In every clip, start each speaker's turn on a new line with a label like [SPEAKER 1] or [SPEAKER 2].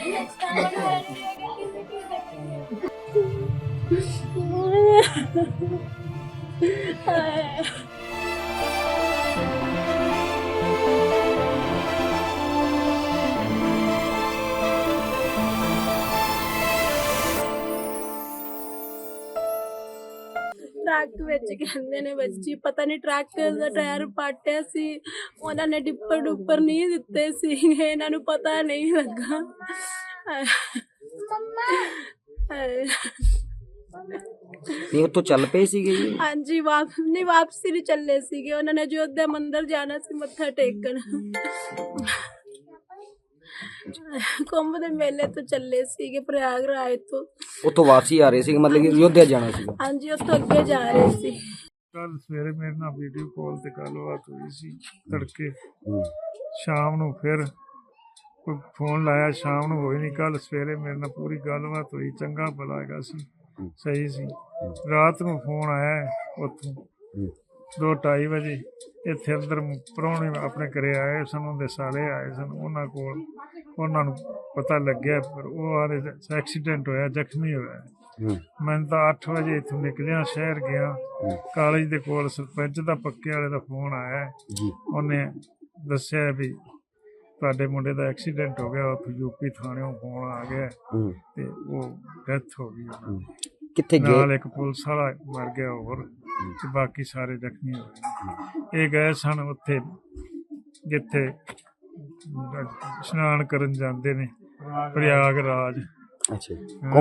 [SPEAKER 1] Truck विच कहंदे ने बच्ची पता नहीं ट्रक दा टायर पाटिया सी उन्हां ने डिप्पर डुप्पर नहीं दित्ते सी इन्हां नूं पता नहीं लगा।
[SPEAKER 2] नहीं उत्थों चल पे सीगे जी?
[SPEAKER 1] हाँ जी वापसी नहीं चले सीगे उन्होंने अयोध्या मंदिर जाना सी मत्था टेकन कुंभ दे मेले तो चले सीगे प्रयागराज तो
[SPEAKER 2] उत्थों वापसी आ रहे सी मतलब कि अयोध्या जाना सी?
[SPEAKER 1] हाँ जी उत्थों अगे जा रहे सी।
[SPEAKER 3] कल सवेरे मेरे नाल वीडियो कॉल ते गलबात हुई सी तड़के शाम नूं फिर कोई फोन लाया शाम नूं होई नहीं कल सवेरे मेरे नाल पूरी गलबात हुई चंगा भला हैगा सी सही सी। रात नूं फोन आया उत्थों 2:30 बजे इत्थे अंदर प्राहुणे अपने घरे आए सन उनके साले आए सन उन्हां कोल उन्हां नूं पता लग्या पर वो आरे एक्सीडेंट होया जख्मी होया। मैं तो 8 बजे इत्थों निकलिया शहर गया कॉलेज दे कोल सरपंच दा पक्के वाले दा फोन आया उन्हें दस्सिया भी तुहाडे मुंडे दा एक्सीडेंट हो गया उत्थों यूपी थाने फोन आ गया ते वो डेथ हो गई।
[SPEAKER 2] कित्थे गए?
[SPEAKER 3] नाल एक पुलिस वाला मर गया और बाकी सारे जख्मी हो गए। ये गए सन उत्थे जिथे स्नान करन जांदे ने प्रयागराज।
[SPEAKER 2] अच्छा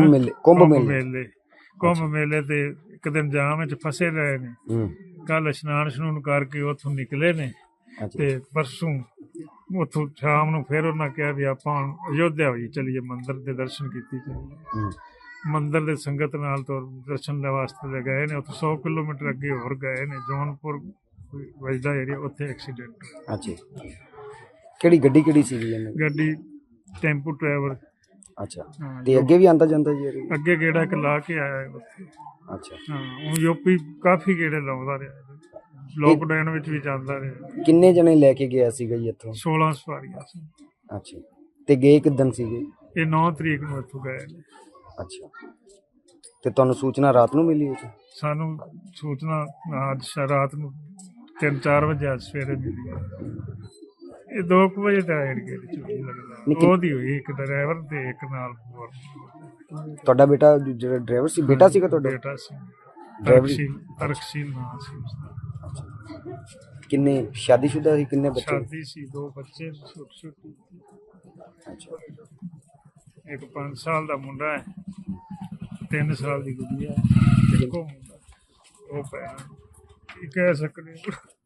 [SPEAKER 2] कुंभ
[SPEAKER 3] मेले ते एक दिन जाम विच फसे रहे ने कल स्नान शनून करके उत्थों निकले ने ते परसों उत्थों शाम नूं फिर उन्हां कहा भी आपां अयोध्या होई चलीए मंदिर दे दर्शन कीते चलीए। मंदिर दे संगत नाल तो दर्शन वास्ते गए ने उत्थों 100 किलोमीटर अगे होर गए ने जौनपुर वजदा एरिया उत्थे एक्सीडेंट।
[SPEAKER 2] अच्छा केड़ी गड्डी सी?
[SPEAKER 3] गड्डी टेंपू ट्रैवल। अच्छा
[SPEAKER 2] ते अगे भी आंदा जांदा जी?
[SPEAKER 3] अगे गेड़ा एक ला के आया उत्थे। अच्छा हाँ हुण यूपी काफी गेड़े लाउंदा रहा लॉकडाउन विच भी जांदा रहा।
[SPEAKER 2] किन्ने जने लेके गया सीगा जी इत्थों? 16
[SPEAKER 3] सवारियां सी।
[SPEAKER 2] अच्छा ते गए किदन सीगे?
[SPEAKER 3] ये 9 तरीक नूं इत्थों गए ने। अच्छा
[SPEAKER 2] ते तुहानूं सूचना रात नूं मिली?
[SPEAKER 3] सानूं सूचना आज रात नूं 3-4 बजे आज सवेरे मिली। ये 2 बजे दा एरिया चोरी लगदा ओदी होई एक ड्राइवर ते एक नाल होर।
[SPEAKER 2] तुहाडा बेटा जेड़ा ड्राइवर सी बेटा सीगा तुहाडा?
[SPEAKER 3] बेटा सी तरकशील नाम सी उसदा।
[SPEAKER 2] किन्ने शादीशुदा सी? किन्ने बच्चे?
[SPEAKER 3] शादी सी 2 बच्चे छोटे छोटे। अच्छा एक 5 साल दा मुंडा है 3 साल दी गुड़िया है देखो मुंडा ओ पैना की कह सकने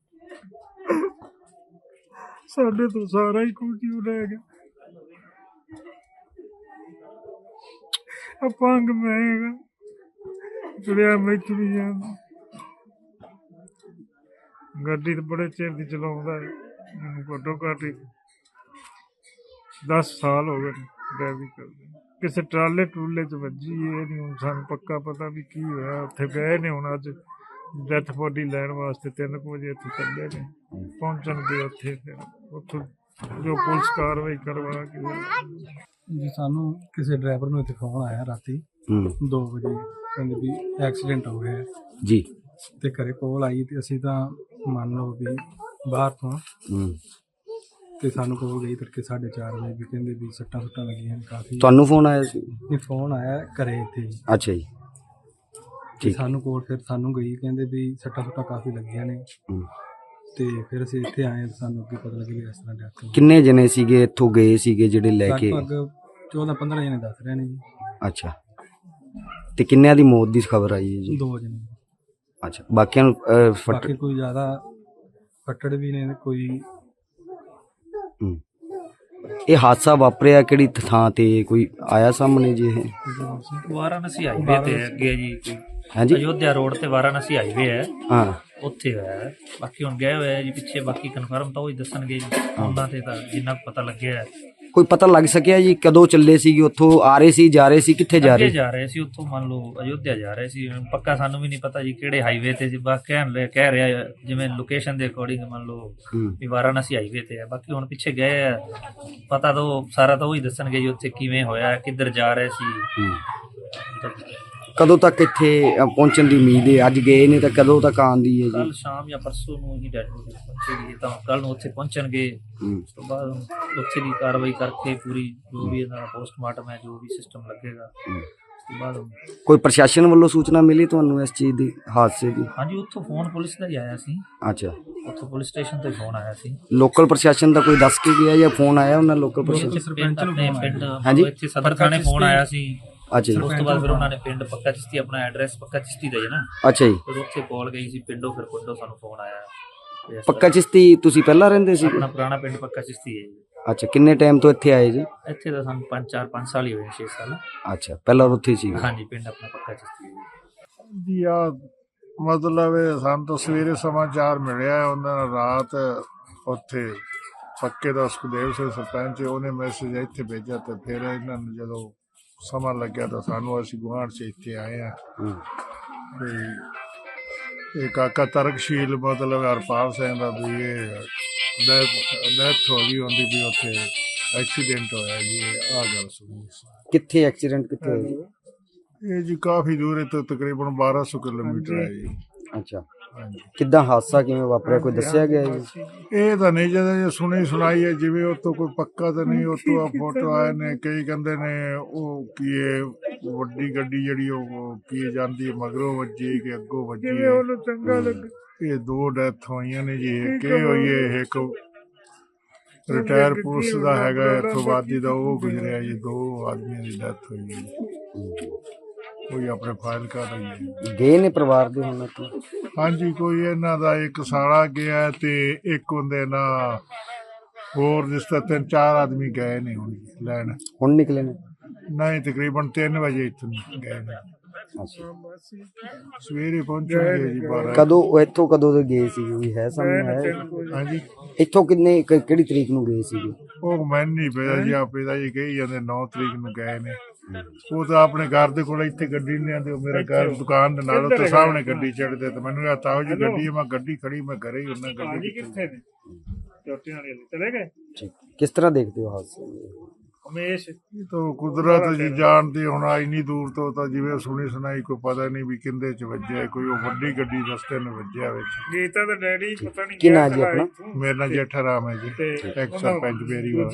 [SPEAKER 3] साडे तो सारा ही कुछ ही रह गया। अपंग मैं जुड़िया मैं चुरी जाना गड्डी तो बड़े चिर दी चलाउंदा है मैनूं घट्टो घट्ट 10 साल हो गए ड्राइविंग करदे। किसी ट्राले टूले च वजी ये नहीं हुण सानूं पक्का पता भी की होया। उत्थे गए ने हुण अज डेथ बॉडी लैण वास्ते 3 बजे इत्थे चले ने पहुंचणगे उत्थे फिर उत्थों जो पुलिस कार्रवाई करवा के
[SPEAKER 4] जी सानू किसी ड्राइवर नूं इत्थे फोन आया राती 2 बजे कहंदे भी एक्सीडेंट हो गया
[SPEAKER 2] जी
[SPEAKER 4] ते घरे कॉल आई ते असीं तां मान लो भी बाहर तो ते सानू कॉल गई तड़के 4:30 बजे भी कहंदे भी सट्टां सुट्टां लगियां काफ़ी।
[SPEAKER 2] तुहानूं फोन आया सी?
[SPEAKER 4] नहीं फोन आया घरे इत्थे। अच्छा
[SPEAKER 2] जी
[SPEAKER 4] ठीक। सानू कोल फिर सानू गई कहंदे भी सट्टां सुट्टां काफ़ी लगियां ने ते फिर असीं इत्थे आए सानू अगे पता लगे इस तरह डेथ।
[SPEAKER 2] किन्ने जने सीगे इत्थों गए सीगे जेडे लेके?
[SPEAKER 4] लगभग 14-15 जने दस रहे ने जी।
[SPEAKER 2] अच्छा ते किन्ने दी मौत दी खबर आई है जी?
[SPEAKER 4] 2 जने।
[SPEAKER 2] अच्छा बाकियां
[SPEAKER 4] बाकी कोई ज़्यादा फट्टड़ भी ने कोई।
[SPEAKER 2] ये हादसा वापरिया किहड़ी थां ते कोई आया सामने जी?
[SPEAKER 5] वाराणसी हाईवे ते अगे जी।
[SPEAKER 2] हाँ जी
[SPEAKER 5] अयोध्या रोड ते वाराणसी हाईवे है।
[SPEAKER 2] हाँ
[SPEAKER 5] उत्थे है बाकी हुण गए हुए जी पिछे बाकी कन्फर्म तो वही दसणगे जी उन्हां ते तां जिन्ना पता लग्या है
[SPEAKER 2] ਕੋਈ ਪਤਾ ਲੱਗ ਸਕਿਆ ਜੀ ਕਦੋਂ ਚੱਲੇ ਸੀਗੇ ਉੱਥੋਂ ਆ ਰਹੇ ਸੀ ਜਾ ਰਹੇ ਸੀ ਕਿੱਥੇ ਜਾ
[SPEAKER 5] ਅੱਗੇ
[SPEAKER 2] ਰਹੇ
[SPEAKER 5] ਜਾ ਰਹੇ ਸੀ ਉੱਥੋਂ, ਮੰਨ ਲਓ ਅਯੋਧਿਆ ਜਾ ਰਹੇ ਸੀ। ਪੱਕਾ ਸਾਨੂੰ ਵੀ ਨਹੀਂ ਪਤਾ ਜੀ ਕਿਹੜੇ ਹਾਈਵੇ ਤੇ ਸੀ, ਬਸ ਕਹਿ ਰਿਹਾ ਜਿਵੇਂ ਲੋਕੇਸ਼ਨ ਦੇ ਅਕੋਰਡਿੰਗ ਮੰਨ ਲਓ ਵੀ ਵਾਰਾਣਸੀ ਹਾਈਵੇ ਤੇ ਹੈ। ਬਾਕੀ ਹੁਣ ਪਿੱਛੇ ਗਏ ਆ, ਪਤਾ ਤਾਂ ਸਾਰਾ ਤਾਂ ਉਹੀ ਦੱਸਣਗੇ ਜੀ ਉੱਥੇ ਕਿਵੇਂ ਹੋਇਆ, ਕਿੱਧਰ ਜਾ ਰਹੇ ਸੀ।
[SPEAKER 2] ਕਦੋਂ ਤੱਕ ਇੱਥੇ ਪਹੁੰਚਣ ਦੀ ਉਮੀਦ ਹੈ? ਅੱਜ ਗਏ ਨੇ ਤਾਂ ਕਦੋਂ ਤੱਕ ਆਉਣ ਦੀ ਹੈ ਜੀ?
[SPEAKER 5] ਕੱਲ ਸ਼ਾਮ ਜਾਂ ਪਰਸੋਂ ਨੂੰ ਹੀ ਡੈਡ ਬੋਡੀ ਪਹੁੰਚੇਗੀ, ਤਾਂ ਕੱਲ ਨੂੰ ਉੱਥੇ ਪਹੁੰਚਣਗੇ। ਉਸ ਤੋਂ ਬਾਅਦ ਉੱਥੇ ਦੀ ਕਾਰਵਾਈ ਕਰਕੇ ਪੂਰੀ ਜੋ ਵੀ ਇਹਨਾਂ ਦਾ ਪੋਸਟਮਾਰਟਮ ਹੈ, ਜੋ ਵੀ ਸਿਸਟਮ ਲੱਗੇਗਾ ਉਸ ਤੋਂ ਬਾਅਦ।
[SPEAKER 2] ਕੋਈ ਪ੍ਰਸ਼ਾਸਨ ਵੱਲੋਂ ਸੂਚਨਾ ਮਿਲੀ ਤੁਹਾਨੂੰ ਇਸ ਚੀਜ਼ ਦੀ, ਹਾਦਸੇ ਦੀ?
[SPEAKER 5] ਹਾਂਜੀ, ਉੱਥੋਂ ਫੋਨ ਪੁਲਿਸ ਦਾ ਹੀ ਆਇਆ ਸੀ।
[SPEAKER 2] ਅੱਛਾ,
[SPEAKER 5] ਉੱਥੋਂ ਪੁਲਿਸ ਸਟੇਸ਼ਨ ਤੋਂ ਫੋਨ ਆਇਆ ਸੀ।
[SPEAKER 2] ਲੋਕਲ ਪ੍ਰਸ਼ਾਸਨ ਦਾ ਕੋਈ ਦੱਸ ਕੇ ਗਿਆ ਜਾਂ ਫੋਨ ਆਇਆ ਉਹਨਾਂ ਲੋਕਲ ਪ੍ਰਸ਼ਾਸਨ? ਹਾਂਜੀ,
[SPEAKER 5] ਇੱਥੇ ਸਦਰ ਥਾਣੇ ਫੋਨ ਆਇਆ ਸੀ।
[SPEAKER 2] ਅੱਛਾ ਜੀ,
[SPEAKER 5] ਉਸ ਤੋਂ ਬਾਅਦ ਫਿਰ ਉਹਨਾਂ ਨੇ ਪਿੰਡ ਪੱਕਾ ਚਿਸ਼ਤੀ, ਆਪਣਾ ਐਡਰੈਸ ਪੱਕਾ ਚਿਸ਼ਤੀ ਦਾ ਹੈ ਨਾ,
[SPEAKER 2] ਅੱਛਾ ਜੀ।
[SPEAKER 5] ਫਿਰ ਉੱਥੇ ਕਾਲ ਗਈ ਸੀ ਪਿੰਡੋਂ, ਫਿਰ ਪਿੰਡੋਂ ਸਾਨੂੰ ਫੋਨ ਆਇਆ ਵੀ ਇਸ
[SPEAKER 2] ਪੱਕਾ ਚਿਸ਼ਤੀ ਤੁਸੀਂ ਪਹਿਲਾਂ ਰਹਿੰਦੇ ਸੀ?
[SPEAKER 5] ਆਪਣਾ ਪੁਰਾਣਾ ਪਿੰਡ ਪੱਕਾ ਚਿਸ਼ਤੀ ਹੈ ਜੀ।
[SPEAKER 2] ਅੱਛਾ, ਕਿੰਨੇ ਟਾਈਮ ਤੋਂ ਇੱਥੇ ਆਏ ਜੀ?
[SPEAKER 5] ਇੱਥੇ ਤਾਂ ਸਾਨੂੰ 5 ਸਾਲ ਹੀ ਹੋਏ, 6 ਸਾਲ।
[SPEAKER 2] ਅੱਛਾ, ਪਹਿਲਾਂ ਉੱਥੇ ਸੀ?
[SPEAKER 5] ਹਾਂਜੀ, ਪਿੰਡ ਆਪਣਾ ਪੱਕਾ ਚਿਸ਼ਤੀ ਹੈ
[SPEAKER 3] ਜੀ। ਆ ਮਤਲਬ ਸਾਨੂੰ ਤਾਂ ਸਵੇਰੇ ਸਮਾਚਾਰ ਮਿਲਿਆ ਉਹਨਾਂ ਨੇ, ਰਾਤ ਉੱਥੇ ਪੱਕੇ ਦਾ ਸੁਖਦੇਵ ਸਿੰਘ ਸਰਪੰਚ ਉਹਨੇ ਮੈਸੇਜ ਇੱਥੇ ਭੇਜਿਆ, ਤੇ ਫਿਰ ਇਹਨਾਂ ਨੂੰ ਜਦੋਂ ਸਮਾਂ ਲੱਗਿਆ ਤਾਂ ਸਾਨੂੰ, ਅਸੀਂ ਗੁਆਂਢ 'ਚ ਇੱਥੇ ਆਏ ਆ। ਤੇ ਇਹ ਕਾਕਾ ਤਰਕਸ਼ੀਲ ਮਤਲਬ ਹਰਪਾਲ ਸਿੰਘ ਦਾ ਵੀ ਇਹ ਡੈਥ ਹੋ ਗਈ ਹੁੰਦੀ ਵੀ ਉੱਥੇ ਐਕਸੀਡੈਂਟ ਹੋਇਆ ਜੀ। ਆਹ ਗੱਲ ਸੁਣੀ।
[SPEAKER 2] ਕਿੱਥੇ ਐਕਸੀਡੈਂਟ ਕਿੱਥੇ ਹੋਇਆ ਜੀ?
[SPEAKER 3] ਇਹ ਜੀ ਕਾਫੀ ਦੂਰ ਤੋਂ ਤਕਰੀਬਨ 1200 ਕਿਲੋਮੀਟਰ ਹੈ ਜੀ।
[SPEAKER 2] ਅੱਛਾ, ਕਿੱਦਾਂ ਹਾਦਸਾ ਕਿਵੇਂ ਵਾਪਰਿਆ ਕੋਈ ਦੱਸਿਆ ਗਿਆ ਜੀ?
[SPEAKER 3] ਇਹ ਤਾਂ ਨਹੀਂ ਜਦੋਂ ਸੁਣੀ ਸੁਣਾਈ ਹੈ, ਜਿਵੇਂ ਉਤੋਂ ਕੋਈ ਪੱਕਾ ਤਾਂ ਨਹੀਂ। ਉਤੋਂ ਆ ਫੋਟੋ ਆਏ ਨੇ, ਕਈ ਕਹਿੰਦੇ ਨੇ ਉਹ ਕੀ ਵੱਡੀ ਗੱਡੀ ਜਿਹੜੀ ਉਹ ਕੀ ਜਾਂਦੀ ਮਗਰੋਂ ਵੱਜੀ ਕਿ ਅੱਗੋਂ ਵੱਜੀ, ਉਹਨੂੰ ਚੰਗਾ ਲੱਗਾ। ਇਹ 2 ਡੈਥ ਹੋਈਆਂ ਨੇ ਜੀ। ਇੱਕ ਇਹ ਹੋਈ ਹੈ, ਇੱਕ ਰਿਟਾਇਰ ਪੁਲਿਸ ਦਾ ਹੈਗਾ ਇੱਥੋਂ ਵਾਦੀ ਦਾ, ਉਹ ਗੁਜ਼ਰਿਆ ਜੀ। 2 ਆਦਮੀਆਂ ਦੀ ਡੈਥ ਹੋਈ ਹੈ। ਕੋਈ ਆਪਣੇ ਫਾਈਲ ਕਰ ਰਹੀ ਹੈ।
[SPEAKER 2] ਗਏ ਨੇ ਪਰਿਵਾਰ ਦੇ ਹੁਣ ਇੱਥੇ?
[SPEAKER 3] ਹਾਂਜੀ, ਕੋਈ ਇਹਨਾਂ ਦਾ ਇੱਕ ਸਾਲਾ ਗਿਆ ਤੇ ਇੱਕ ਹੁੰਦੇ ਨਾ ਹੋਰ ਜਿਸ ਤਰ੍ਹਾਂ 3-4 ਆਦਮੀ ਗਏ ਨੇ ਹੁਣ ਲੈਣ।
[SPEAKER 2] ਹੁਣ ਨਿਕਲੇ ਨੇ?
[SPEAKER 3] ਨਹੀਂ, ਤਕਰੀਬਨ 3 ਵਜੇ ਇੱਥੋਂ ਗਏ ਨੇ। ਸਵੇਰੇ ਪਹੁੰਚਣਗੇ ਜੀ 12।
[SPEAKER 2] ਕਦੋਂ ਇੱਥੋਂ ਕਦੋਂ ਦੇ ਗਏ ਸੀ ਕੋਈ ਹੈ ਸਾਹਮਣੇ ਹੈ?
[SPEAKER 3] ਹਾਂਜੀ,
[SPEAKER 2] ਇੱਥੋਂ ਕਿਹੜੀ ਤਰੀਕ ਨੂੰ ਗਏ ਸੀਗੇ?
[SPEAKER 3] ਉਹ ਮੈਨੂੰ ਨਹੀਂ ਪਤਾ ਜੀ, ਆਪੇ ਦਾ ਜੀ ਕਹੀ ਜਾਂਦੇ 9 ਤਰੀਕ ਨੂੰ ਗਏ ਨੇ। ਉਹ ਤਾਂ ਆਪਣੇ ਘਰ ਦੇ ਕੋਲ ਇੱਥੇ ਗੱਡੀ ਨਹੀਂ ਆਉਂਦੀ, ਉਹ ਮੇਰਾ ਘਰ ਦੁਕਾਨ ਦੇ ਨਾਲ ਉੱਤੇ ਸਾਹਮਣੇ ਗੱਡੀ ਚੜ੍ਹਦੇ, ਤੇ ਮੈਨੂੰ ਕਹਤਾ ਉਹ ਜੀ ਗੱਡੀ, ਮੈਂ ਗੱਡੀ ਖੜੀ, ਮੈਂ ਘਰੇ ਹੀ ਹੁੰਦਾ। ਗੱਡੀ ਕਿੱਥੇ ਨੇ? ਚੌਟੀਆਂ ਵਾਲੇ ਚਲੇ ਗਏ।
[SPEAKER 2] ਕਿਸ ਤਰ੍ਹਾਂ ਦੇਖਦੇ ਹੋ ਹਾਦਸੇ ਨੂੰ?
[SPEAKER 3] ਹਮੇਸ਼ ਤਾਂ ਕੁਦਰਤ ਜੀ ਜਾਣਦੀ। ਹੁਣ ਇੰਨੀ ਦੂਰ ਤੋਂ ਤਾਂ ਜਿਵੇਂ ਸੁਣੀ ਸੁਣਾਈ ਕੋਈ ਪਤਾ ਨਹੀਂ ਵੀ ਕਿੰਦੇ ਚ ਵੱਜਿਆ। ਕੋਈ ਉਹ ਵੱਡੀ ਗੱਡੀ ਰਸਤੇ ਨੂੰ ਵੱਜਿਆ ਵਿੱਚ। ਗੀਤਾ ਦਾ ਡੈਡੀ ਪਤਾ ਨਹੀਂ
[SPEAKER 2] ਕੀ ਨਾਂ ਜੀ ਆਪਣਾ?
[SPEAKER 3] ਮੇਰਾ ਨਾਂ ਜੇਠਾ ਰਾਮ ਹੈ ਜੀ, ਇੱਕ ਸਰਪੰਚ ਬੇਰੀ ਵਾਲਾ।